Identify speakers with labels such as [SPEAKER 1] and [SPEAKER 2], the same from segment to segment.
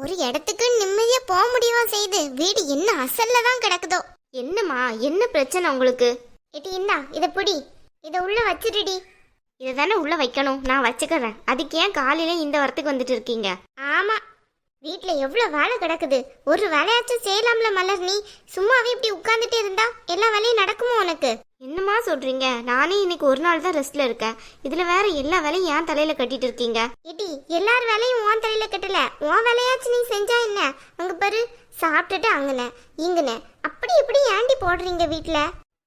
[SPEAKER 1] ஒரு இடத்துக்கு நிம்மதியா போக முடியுமா செய்து வீடு என்ன அசல்ல தான் கிடக்குதோ. என்னம்மா என்ன பிரச்சனை உங்களுக்கு? ஏட்டி இந்தா இதை பிடி, இதை உள்ள வச்சிருடி. இதை தானே உள்ள வைக்கணும், நான் வச்சுக்கிறேன். அதுக்கு ஏன் காலையில இந்த வரத்துக்கு வந்துட்டு இருக்கீங்க? ஆமா, வீட்டுல எவ்வளவு வேலை கிடக்குது, ஒரு வேலையாச்சும் செய்யலாம்ல மலர். நீ சும்மாவே இப்படி உட்கார்ந்துட்டு இருந்தா எல்லா வேலையும் நடக்குமோ உனக்கு? என்னமா சொல்றீங்க? நானே இன்னைக்கு ஒரு நாள் தான் ரெஸ்ட்ல இருக்கேன், இதுல வேற எல்லா வேலையும் ஏன் தலையில கட்டிட்டு இருக்கீங்க? ஏட்டி எல்லார் வேலையும் உன் தலையில கட்டல, உன் வேலையாச்சும் நீ செஞ்சா என்ன? அங்க பாரு, சாப்பிட்டுட்டு அங்கன இங்கன அப்படி இப்படி ஏண்டி போடுறீங்க வீட்டுல?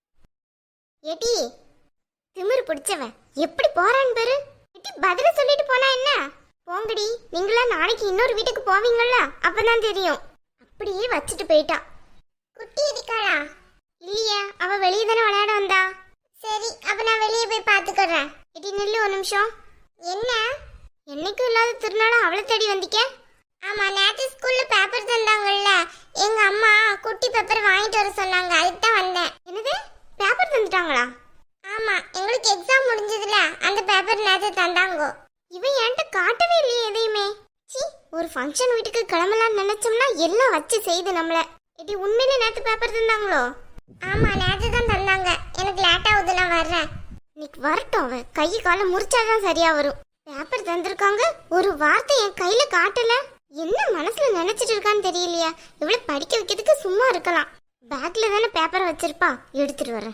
[SPEAKER 1] ஏட்டி திமிரு பிடிச்சவன் எப்படி போறான்னு பாரு. ஏட்டி பதில சொல்லிட்டு போனா என்ன? போங்கடி, நீங்களா நாளைக்கு இன்னொரு வீட்டுக்கு போவீங்களா, அப்பதான் தெரியும். அப்படியே வச்சுட்டு போயிட்டா. குட்டி இருக்காளா? இல்லையா, அவ வெளியே தானே விளையாட வந்தா. சரி, அப்ப நான் வெளியே போய் பாத்துக்கிறேன். இடி நில்லு ஒரு நிமிஷம். என்ன என்னைக்கும் இல்லாத திருநாளா அவளை தேடி வந்திக்க? ஆமா, நேற்று ஸ்கூல்ல பேப்பர் தந்தாங்கல்ல, எங்க அம்மா குட்டி பேப்பர் வாங்கிட்டு வர சொன்னாங்க, அதுக்கு தான் வந்தேன். என்னது, பேப்பர் தந்துட்டாங்களா? ஆமா, எங்களுக்கு எக்ஸாம் முடிஞ்சதுல அந்த பேப்பர் நேற்று தந்தாங்க. இவன் என்கிட்ட காட்டவே இல்லையே எதையுமே. சி, ஒரு ஃபங்க்ஷன் வீட்டுக்கு கிளம்பலாம்னு நினைச்சோம்னா எல்லாம் வச்சு செய்து நம்மள. இது உண்மையிலே நேற்று பேப்பர் தந்தாங்களோ? ஆமா, நேற்று தான் தந்தாங்க. எனக்கு லேட் ஆகுது, நான் வர்றேன். இன்னைக்கு வரட்டும், அவ கை காலை முறிச்சாதான் சரியா வரும். பேப்பர் தந்திருக்காங்க, ஒரு வார்த்தை என் கையில காட்டல. என்ன மனசுல நினைச்சிட்டு இருக்கான்னு தெரியலையா? இவ்வளவு படிக்க வைக்கிறதுக்கு சும்மா இருக்கலாம். பேக்ல தானே பேப்பர் வச்சிருப்பா, எடுத்துட்டு வரேன்.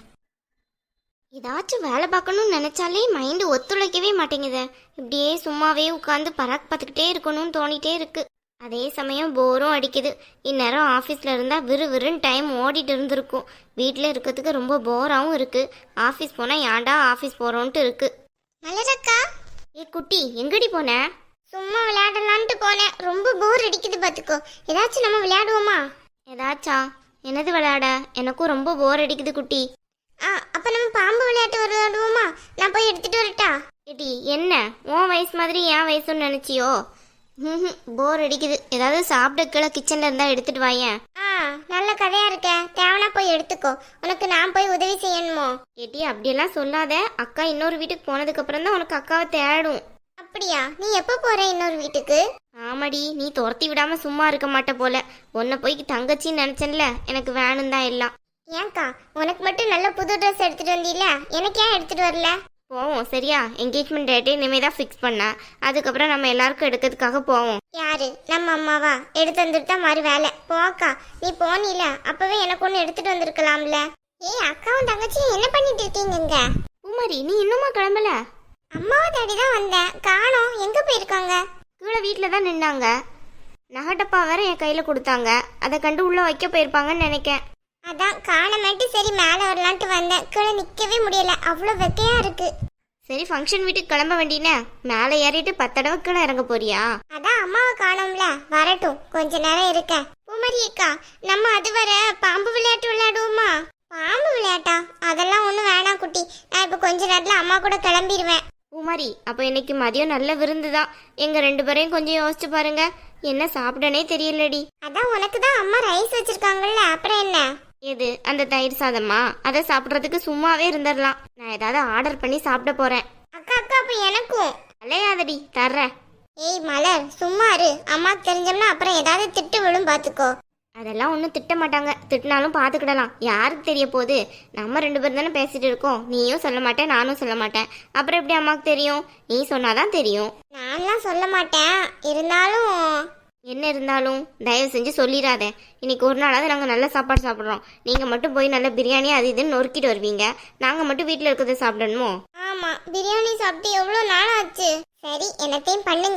[SPEAKER 1] ஏதாச்சும் வேலை பார்க்கணும்னு நினைச்சாலே மைண்டு ஒத்துழைக்கவே மாட்டேங்குது. இப்படியே சும்மாவே உட்காந்து பராக் பார்த்துக்கிட்டே இருக்கணும்னு தோணிட்டே இருக்கு. அதே சமயம் போரும் அடிக்குது. இந்நேரம் ஆஃபீஸில் இருந்தால் விறுவிறுன்னு டைம் ஓடிட்டு இருந்திருக்கும். வீட்டில் இருக்கிறதுக்கு ரொம்ப போராகவும் இருக்கு. ஆஃபீஸ் போனால் ஏன்டா ஆஃபீஸ் போகிறோன்ட்டு இருக்கு. மலரக்கா, ஏ குட்டி எங்கடி போன? சும்மா விளையாடலான்ட்டு போனேன், ரொம்ப போர் அடிக்குது பார்த்துக்கோ. ஏதாச்சும் நம்ம விளையாடுவோமா? ஏதாச்சா? என்னது விளையாட? எனக்கும் ரொம்ப போர் அடிக்குது குட்டி. அப்ப நம்ம பாம்பு விளையாட்டு விளையாடுவோமா? நான் போய் எடுத்துட்டு வரட்டா? ஏடி என்ன உன் வயசு மாதிரி என் வயசுன்னு நினைச்சியோ? போர் அடிக்குது. ஏதாவது சாப்பிட கீழே கிச்சன்ல இருந்தா எடுத்துட்டு வாயேன். நல்ல கதையா இருக்க, தேவனா போய் எடுத்துக்கோ. உனக்கு நான் போய் உதவி செய்யணுமோ? ஏடி அப்படியெல்லாம் சொல்லாத. அக்கா இன்னொரு வீட்டுக்கு போனதுக்கு அப்புறம் தான் உனக்கு அக்காவை தேடும். அப்படியா? நீ எப்ப போற இன்னொரு வீட்டுக்கு? ஆமாடி, நீ துரத்தி விடாம சும்மா இருக்க மாட்ட போல. உன்னை போய் தங்கச்சின்னு நினைச்சேன்ல, எனக்கு வேணும் தான் எல்லாம். ஏன்க்கா, உனக்கு மட்டும் நல்ல புது ட்ரெஸ் எடுத்துட்டு வந்தீல, எனக்கு ஏன் எடுத்துட்டு வரல? போவோம் சரியா? என்கேஜ்மெண்ட் டேட்டே இனிமே தான் ஃபிக்ஸ் பண்ண, அதுக்கப்புறம் நம்ம எல்லாருக்கும் எடுக்கிறதுக்காக போவோம். யாரு? நம்ம அம்மாவா? எடுத்து வந்துட்டு தான் மாதிரி வேலை. போக்கா, நீ போனீல அப்பவே எனக்கு ஒன்று எடுத்துட்டு வந்திருக்கலாம்ல. ஏய், அக்காவும் தங்கச்சியும் என்ன பண்ணிட்டு இருக்கீங்க? பூமாரி, நீ இன்னுமா கிளம்பல? அம்மாவை தேடி தான் வந்தேன், காணோம். எங்க போயிருக்காங்க? கீழே வீட்டில் தான் நின்னாங்க. நகட்டப்பா வேற என் கையில கொடுத்தாங்க, அதை கண்டு உள்ள வைக்க போயிருப்பாங்கன்னு நினைக்கேன். அதான் காணமாட்டி சரி மேலே வரலான்ட்டு வந்தேன். கீழே நிற்கவே முடியல, அவ்வளோ வெக்கையா இருக்கு. சரி, ஃபங்க்ஷன் வீட்டுக்கு கிளம்ப வேண்டினே, மேலே ஏறிட்டு 10 தடவை கீழே இறங்க போறியா? அதான் அம்மாவை காணோம்ல, வரட்டும், கொஞ்ச நேரம் இருக்க. பூமாரி அக்கா, நம்ம அது வர பாம்பு விளையாட்டு விளையாடுவோமா? பாம்பு விளையாட்டா? அதெல்லாம் ஒன்றும் வேணாம் குட்டி, நான் இப்போ கொஞ்ச நேரத்தில் அம்மா கூட கிளம்பிடுவேன். பூமாரி, அப்போ இன்னைக்கு மதியம் நல்ல விருந்து தான். எங்க 2 பேரையும் கொஞ்சம் யோசிச்சு பாருங்க, என்ன சாப்பிடனே தெரியலடி. அதான் உனக்கு தான் அம்மா ரைஸ் வச்சிருக்காங்கல்ல, அப்புறம் என்ன? எது, அந்த தயிர் சாதமா? அதை சாப்பிட்றதுக்கு சும்மாவே இருந்துடலாம். நான் ஏதாவது ஆர்டர் பண்ணி சாப்பிட போறேன். அக்கா அக்கா, அப்ப எனக்கும் அலையாதடி, தர்றேன். ஏய் மலர், சும்மா இரு. அம்மாக்கு தெரிஞ்சோம்னா அப்புறம் ஏதாவது திட்டு விழும், பாத்துக்கோ. அதெல்லாம் ஒன்றும் திட்ட மாட்டாங்க, திட்டினாலும் பார்த்துக்கிடலாம். யாருக்கு தெரிய போகுது? நம்ம 2 பேரும் தானே பேசிட்டு இருக்கோம். நீயும் சொல்ல மாட்டேன், நானும் சொல்ல மாட்டேன். அப்புறம் எப்படி அம்மாவுக்கு தெரியும்? நீ சொன்னாதான் தெரியும். நான்லாம் சொல்ல மாட்டேன். இருந்தாலும் என்ன இருந்தாலும் தயவு செஞ்சு சொல்லிடாத. இன்னைக்கு ஒரு நாளாவது நாங்கள் நல்ல சாப்பாடு சாப்பிட்றோம். நீங்கள் மட்டும் போய் நல்ல பிரியாணி அது இதுன்னு நொறுக்கிட்டு வருவீங்க, நாங்கள் மட்டும் வீட்டில் இருக்கிறத சாப்பிடணுமோ? ஆமாம், பிரியாணி சாப்பிட்டு எவ்வளோ நாள் ஆச்சு. சரி, என்னத்தையும் பண்ணுங்க.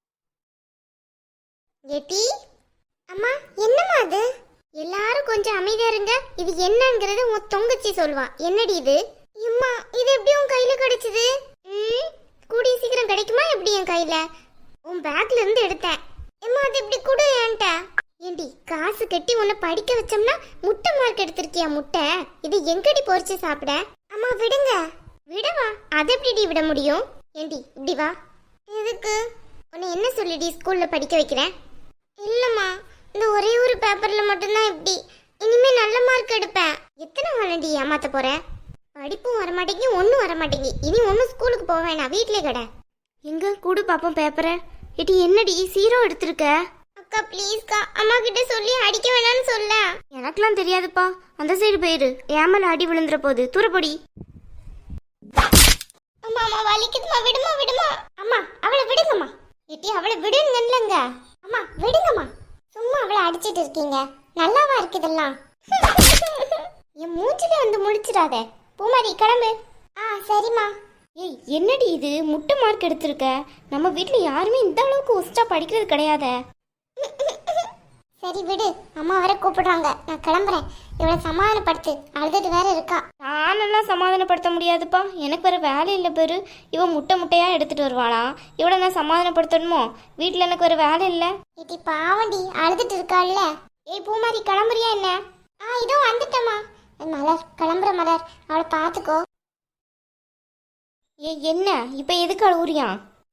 [SPEAKER 1] ஏட்டி அம்மா, என்னம்மா அது? எல்லாரும் கொஞ்சம் அமைதியா இருங்க. இது என்னங்கிறது உன் தொங்கச்சி சொல்வா. என்னடி இது? அம்மா, இது எப்படி உன் கையில கிடைச்சது? கூடிய சீக்கிரம் கிடைக்குமா எப்படி என் கையில? உன் பேக்ல இருந்து எடுத்தேன். அம்மா, அது எப்படி கூட ஏன்ட்ட? ஏண்டி, காசு கட்டி உன்னை படிக்க வச்சோம்னா முட்டை மார்க் எடுத்திருக்கியா? முட்டை இது எங்கடி பொறிச்சு சாப்பிட? அம்மா விடுங்க. விடவா? அதை எப்படி விட முடியும்? ஏண்டி இப்படி வா. எதுக்கு? உன்னை என்ன சொல்லிடி ஸ்கூல்ல படிக்க வைக்கிறேன்? இல்லம்மா, இந்த ஒரே ஒரு பேப்பர்ல மட்டும்தான் இப்படி. இனிமே நல்ல மார்க் எடுப்பேன். எத்தனை வாழண்டி ஏமாத்த போற? படிப்பும் வரமாட்டேங்கி, ஒன்றும் வரமாட்டேங்கி. இனி ஒன்றும் ஸ்கூலுக்கு போக வேணாம், வீட்டிலே கடை. எங்க கூடு பாப்போம் பேப்பரை. ஏடி என்னடி 0 எடுத்திருக்க? அக்கா ப்ளீஸ்க்கா அம்மா கிட்ட சொல்லி அடிக்க வேணாம்னு சொல்ல. எனக்கெல்லாம் தெரியாதுப்பா. அந்த சைடு போயிரு. ஏன் மேல அடி விழுந்துற போகுது. தூரப்படி. அம்மா அம்மா வலிக்குதுமா. விடுமா விடுமா. அம்மா அவளை விடுங்கம்மா. ஏட்டி அவளை விடுங்கல்லங்க. அம்மா விடுங்கம்மா. சும்மா அவளை அடிச்சிட்டு இருக்கீங்க. நல்லாவா இருக்கு இதெல்லாம்? என் மூஞ்சில வந்து முழிச்சிடாத. பூமாரி கிளம்பு. சரிம்மா. ஏய் என்னடி இது முட்டை மார்க் எடுத்திருக்க? நம்ம வீட்டில் யாருமே இந்த அளவுக்கு ஒஸ்டா படிக்கிறது கிடையாதே. சரி விடு, அம்மா வர கூப்பிடுறாங்க, நான் கிளம்புறேன். இவளை சமாதானப்படுத்து, அழுதுட்டு வேற இருக்கா. நானெல்லாம் சமாதானப்படுத்த முடியாதுப்பா, எனக்கு வேற வேலை இல்லை பேரு. இவன் முட்டையா எடுத்துட்டு வருவாளா? இவளை நான் சமாதானப்படுத்தணுமோ? வீட்டில் எனக்கு வேற வேலை இல்லை. இட்டி பாவண்டி அழுதுட்டு இருக்காள்ல. ஏய் பூமாரி கிளம்புறியா என்ன? இதோ வந்துட்டம்மா. மலர் கிளம்புற மலர், அவளை பார்த்துக்கோ. என்ன இப்ப எதுக்கு அழுவுறியா?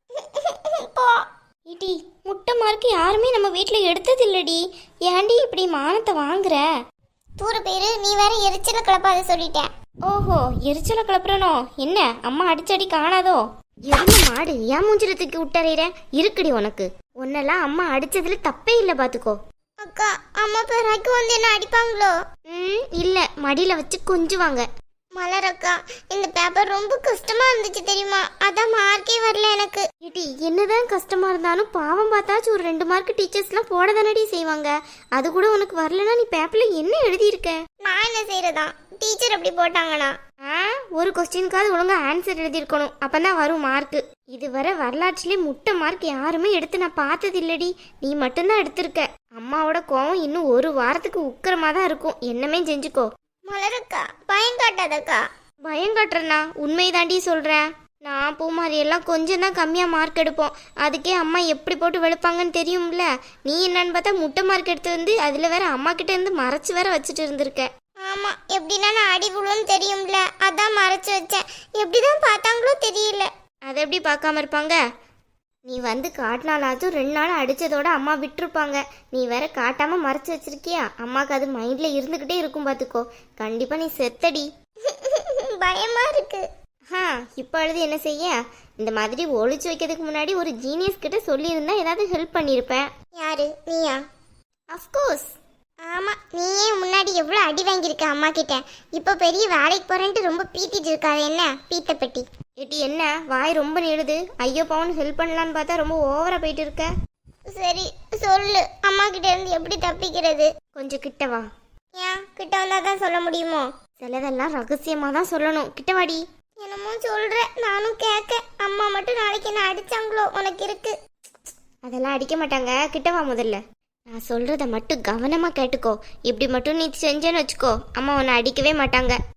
[SPEAKER 1] இடி முட்டை மார்க்கு யாருமே நம்ம வீட்டுல எடுத்தது இல்லடி. ஏன்டி இப்படி மானத்தை வாங்குற? தூர பேரு நீ வேற எரிச்சல கிளப்பாத சொல்லிட்டேன். ஓஹோ எரிச்சல கிளப்புறனோ? என்ன அம்மா அடிச்சடி காணாதோ? எருமை மாடு ஏன் மூஞ்சில தூக்கி விட்டறிற? இருக்குடி உனக்கு. உன்னெல்லாம் அம்மா அடிச்சதுல தப்பே இல்ல பாத்துக்கோ. அக்கா அம்மா பேராக்கு வந்து என்ன அடிப்பாங்களோ? இல்ல மடியில வச்சு கொஞ்சுவாங்க. மலர் அக்கா இந்த பேப்பர் ரொம்ப கஷ்டமா இருந்துச்சு தெரியுமா? அதான் மார்க்கே வரல எனக்கு. ஏடி என்னதான் கஷ்டமா இருந்தாலும் பாவம் பார்த்தாச்சும் ஒரு 2 மார்க் டீச்சர்ஸ்லாம் போட தானடி செய்வாங்க. அது கூட உனக்கு வரலன்னா நீ பேப்பர்ல என்ன எழுதியிருக்க? நான் என்ன செய்யறதா? டீச்சர் அப்படி போட்டாங்கண்ணா. ஒரு கொஸ்டினுக்காவது ஒழுங்கா ஆன்சர் எழுதியிருக்கணும், அப்பதான் வரும் மார்க். இதுவரை வரலாற்றிலே முட்டை மார்க் யாருமே எடுத்து நான் பார்த்தது இல்லடி. நீ மட்டும்தான் எடுத்திருக்க. அம்மாவோட கோவம் இன்னும் ஒரு வாரத்துக்கு உக்கிரமா தான் இருக்கும். என்னமே செஞ்சுக்கோ. மலரக்கா பயம் காட்டாதக்கா. பயம் காட்டுறேண்ணா, உண்மை தாண்டி சொல்றேன். நான் பூமாரி எல்லாம் கொஞ்சம் தான் கம்மியா மார்க் எடுப்போம். அதுக்கே அம்மா எப்படி போட்டு வெளுப்பாங்கன்னு தெரியும்ல. நீ என்னன்னு பார்த்தா முட்டை மார்க் எடுத்து வந்து அதுல வேற அம்மா கிட்ட இருந்து மறைச்சு வேற வச்சுட்டு இருந்திருக்க. ஆமா எப்படின்னா நான் அடி விழுன்னு தெரியும்ல, அதான் மறைச்சு வச்சேன். எப்படிதான் பார்த்தாங்களோ தெரியல. அதை எப்படி பார்க்காம இருப்பாங்க? நீ வந்து காட்டினாலாச்சும் 2 நாள் அடிச்சதோட அம்மா விட்டுருப்பாங்க. நீ வேற காட்டாம மறைச்சு வச்சிருக்கியா? அம்மாக்கு அது மைண்ட்ல இருந்துகிட்டே இருக்கும் பாத்துக்கோ. கண்டிப்பா நீ செத்தடி. பயமா இருக்கு. இப்ப அழுது என்ன செய்ய? இந்த மாதிரி ஒளிச்சு வைக்கிறதுக்கு முன்னாடி ஒரு ஜீனியஸ் கிட்ட சொல்லியிருந்தா ஏதாவது ஹெல்ப் பண்ணிருப்பேன். யாரு நீயா? அஃப்கோர்ஸ். ஆமா நீயே முன்னாடி எவ்வளவு அடி வாங்கியிருக்க அம்மா கிட்ட. இப்ப பெரிய வேலைக்கு போறேன்ட்டு ரொம்ப பீத்திட்டு இருக்காது. என்ன பீத்த பெட்டி? ஏட்டி என்ன வாய் ரொம்ப நீடுது? ஐயோ பவுன் ஹெல்ப் பண்ணலான்னு பார்த்தா ரொம்ப ஓவரா போயிட்டு இருக்க. சரி சொல்லு, அம்மா கிட்ட இருந்து எப்படி தப்பிக்கிறது? கொஞ்சம் கிட்ட வா. ஏன் கிட்ட வந்தாதான் சொல்ல முடியுமோ? சிலதெல்லாம் ரகசியமா தான் சொல்லணும். கிட்டவாடி. என்னமோ சொல்ற, நானும் கேட்க. அம்மா மட்டும் நாளைக்கு என்ன அடிச்சாங்களோ உனக்கு இருக்கு. அதெல்லாம் அடிக்க மாட்டாங்க. கிட்டவா முதல்ல. நான் சொல்றத மட்டும் கவனமா கேட்டுக்கோ. இப்படி மட்டும் நீ செஞ்சேன்னு வச்சுக்கோ, அம்மா உன்னை அடிக்கவே மாட்டாங்க.